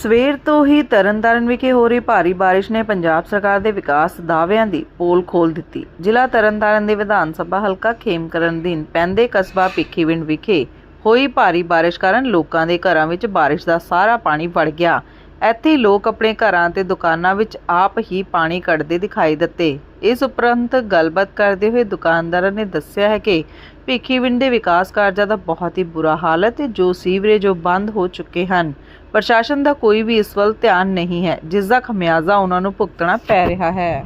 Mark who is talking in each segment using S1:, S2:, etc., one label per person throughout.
S1: ਸਵੇਰ ਤੋਂ ਹੀ ਤਰਨਤਾਰਨ ਵਿਖੇ ਹੋ ਰਹੀ ਭਾਰੀ ਬਾਰਿਸ਼ ਨੇ ਪੰਜਾਬ ਸਰਕਾਰ ਦੇ ਵਿਕਾਸ ਦਾਅਵਿਆਂ ਦੀ ਪੋਲ ਖੋਲ੍ਹ ਦਿੱਤੀ। ਜ਼ਿਲ੍ਹਾ ਤਰਨਤਾਰਨ ਦੇ ਵਿਧਾਨ ਸਭਾ ਹਲਕਾ ਖੇਮਕਰਨ ਅਧੀਨ ਪੈਂਦੇ ਕਸਬਾ ਭਿੱਖੀਵਿੰਡ ਵਿਖੇ ਹੋਈ ਭਾਰੀ ਬਾਰਿਸ਼ ਕਾਰਨ ਲੋਕਾਂ ਦੇ ਘਰਾਂ ਵਿੱਚ ਬਾਰਿਸ਼ ਦਾ ਸਾਰਾ ਪਾਣੀ ਵੜ ਗਿਆ। ਇੱਥੇ ਲੋਕ ਆਪਣੇ ਘਰਾਂ ਤੇ ਦੁਕਾਨਾਂ ਵਿੱਚ ਆਪ ਹੀ ਪਾਣੀ ਕੱਢਦੇ ਦਿਖਾਈ ਦਿੱਤੇ। ਇਸ ਉਪਰੰਤ ਗੱਲਬਾਤ ਕਰਦੇ ਹੋਏ ਦੁਕਾਨਦਾਰਾਂ ਨੇ ਦੱਸਿਆ ਹੈ ਕਿ ਭਿੱਖੀਵਿੰਡ ਦੇ ਵਿਕਾਸ ਕਾਰਜਾਂ ਦਾ ਬਹੁਤ ਹੀ ਬੁਰਾ ਹਾਲ ਹੈ ਤੇ ਜੋ ਸੀਵਰੇਜ ਬੰਦ ਹੋ ਚੁੱਕੇ ਹਨ। ਪ੍ਰਸ਼ਾਸਨ ਦਾ ਕੋਈ ਵੀ ਇਸ ਵੱਲ ਧਿਆਨ ਨਹੀਂ ਹੈ, ਜਿਸ ਦਾ ਖਮਿਆਜ਼ਾ ਉਹਨਾਂ ਨੂੰ ਭੁਗਤਣਾ ਪੈ ਰਿਹਾ ਹੈ।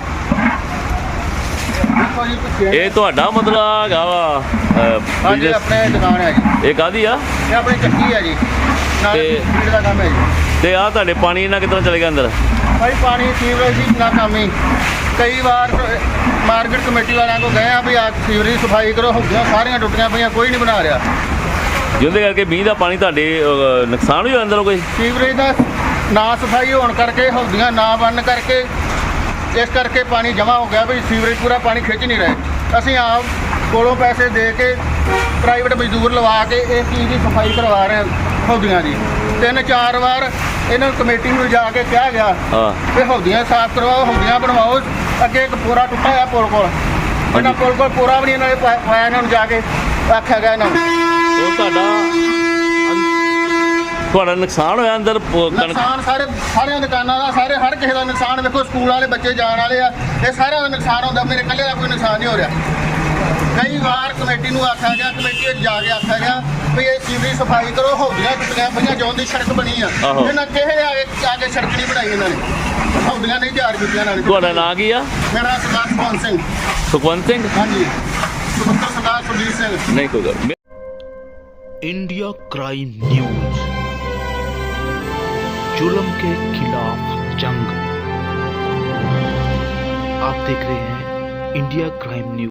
S2: ਇਹ ਤੁਹਾਡਾ ਮਤਲਬ ਹੈਗਾ ਵਾ
S3: ਹਾਂਜੀ, ਆਪਣੇ ਦੁਕਾਨ ਹੈ ਜੀ।
S2: ਇਹ ਕਾਹਦੀ ਆ?
S3: ਇਹ ਆਪਣੀ ਚੱਕੀ ਹੈ ਜੀ, ਨਾਲ ਫੀਡ ਦਾ ਕੰਮ ਹੈ ਜੀ।
S2: ਤੇ ਆ ਤੁਹਾਡੇ ਪਾਣੀ ਇਹਨਾਂ ਕਿੱਦਾਂ ਚਲੇ ਗਿਆ ਅੰਦਰ?
S3: ਭਾਈ ਪਾਣੀ ਸੀਵਰੇਜ ਦੀ ਨਾ ਕੰਮ ਹੀ ਕਈ ਵਾਰ ਮਾਰਕੀਟ ਕਮੇਟੀ ਵਾਲਿਆਂ ਕੋਲ ਗਏ ਆ ਵੀ ਆ ਸੀਵਰੇਜ ਸਫਾਈ ਕਰੋ, ਹੁੰਦੀਆਂ ਸਾਰੀਆਂ ਟੁੱਟੀਆਂ ਪਈਆਂ, ਕੋਈ ਨਹੀਂ ਬਣਾ ਰਿਹਾ।
S2: ਜਿਹਦੇ ਕਰਕੇ ਮੀਂਹ ਦਾ ਪਾਣੀ ਤੁਹਾਡੇ ਨੁਕਸਾਨ ਵੀ ਹੋਇਆ ਅੰਦਰੋਂ ਕੋਈ?
S3: ਸੀਵਰੇਜ ਦਾ ਨਾ ਸਫਾਈ ਹੋਣ ਕਰਕੇ, ਹੌਦੀਆਂ ਨਾ ਬੰਨ ਕਰਕੇ, ਇਸ ਕਰਕੇ ਪਾਣੀ ਜਮ੍ਹਾਂ ਹੋ ਗਿਆ ਵੀ ਸੀਵਰੇਜ ਪੂਰਾ ਪਾਣੀ ਖਿੱਚ ਨਹੀਂ ਰਹੇ। ਅਸੀਂ ਆਪ ਕੋਲੋਂ ਪੈਸੇ ਦੇ ਕੇ ਪ੍ਰਾਈਵੇਟ ਮਜ਼ਦੂਰ ਲਵਾ ਕੇ ਇਹ ਚੀਜ਼ ਦੀ ਸਫਾਈ ਕਰਵਾ ਰਹੇ ਹਾਂ ਹੌਦੀਆਂ ਦੀ। 3-4 ਵਾਰ ਇਹਨਾਂ ਨੂੰ ਕਮੇਟੀ ਨੂੰ ਜਾ ਕੇ ਕਿਹਾ ਗਿਆ ਵੀ ਹੌਦੀਆਂ ਸਾਫ਼ ਕਰਵਾਓ, ਹੌਦੀਆਂ ਬਣਵਾਓ। ਅੱਗੇ ਇੱਕ ਪੂਰਾ ਟੁੱਟਾ ਹੋਇਆ ਪੁਲ ਕੋਲ, ਇਹਨਾਂ ਪੁਲ ਕੋਲ ਪੂਰਾ ਵੀ ਨਹੀਂ ਇਹਨਾਂ ਨੇ ਪਾਇਆ। ਇਹਨਾਂ ਨੂੰ ਜਾ ਕੇ ਆਖਿਆ ਗਿਆ ਇਹਨਾਂ ਨੂੰ
S2: ਉਹ ਤੁਹਾਡਾ ਨੁਕਸਾਨ ਹੋਇਆ ਅੰਦਰ?
S3: ਨੁਕਸਾਨ ਸਾਰਿਆਂ ਦੁਕਾਨਾਂ ਦਾ, ਸਾਰੇ ਹਰ ਕਿਸੇ ਦਾ ਨੁਕਸਾਨ। ਵੇਖੋ ਸਕੂਲ ਵਾਲੇ ਬੱਚੇ ਜਾਣ ਵਾਲੇ ਆ, ਇਹ ਸਾਰਿਆਂ ਦਾ ਨੁਕਸਾਨ ਹੁੰਦਾ। ਮੇਰੇ ਇਕੱਲੇ ਦਾ ਕੋਈ ਨੁਕਸਾਨ ਨਹੀਂ ਹੋ ਰਿਹਾ। ਕਈ ਵਾਰ ਕਮੇਟੀ ਨੂੰ ਆਖਿਆ ਗਿਆ, ਕਮੇਟੀ ਵਿੱਚ ਜਾ ਕੇ ਆਖਿਆ ਗਿਆ ਵੀ ਇਹ ਸੀਵਰੇਜ ਸਫਾਈ ਕਰੋ, ਹੌਦੀਆਂ ਟੁੱਟੀਆਂ ਪਈਆਂ, ਜੌਨ ਦੀ ਸੜਕ ਬਣੀ ਆ। ਇਹਨਾਂ ਕਿਸੇ ਆ ਕੇ ਸੜਕ ਨਹੀਂ ਬਣਾਈ, ਇਹਨਾਂ ਨੇ ਹੌਦੀਆਂ ਨਹੀਂ ਤਿਆਰ ਕੀਤੀਆਂ। ਇਹਨਾਂ ਨੇ।
S2: ਤੁਹਾਡਾ ਨਾਂ ਕੀ ਆ?
S3: ਮੇਰਾ ਸਰਦਾਰ ਸੁਖਵੰਤ ਸਿੰਘ।
S2: ਸੁਖਵੰਤ ਸਿੰਘ?
S3: ਹਾਂਜੀ, ਸੁਪੁੱਤਰ ਸਰਦਾਰ ਸੁਰਜੀਤ ਸਿੰਘ।
S2: नहीं कोई गल।
S4: इंडिया क्राइम न्यूज, जुल्म के खिलाफ जंग। आप देख रहे हैं इंडिया क्राइम न्यूज।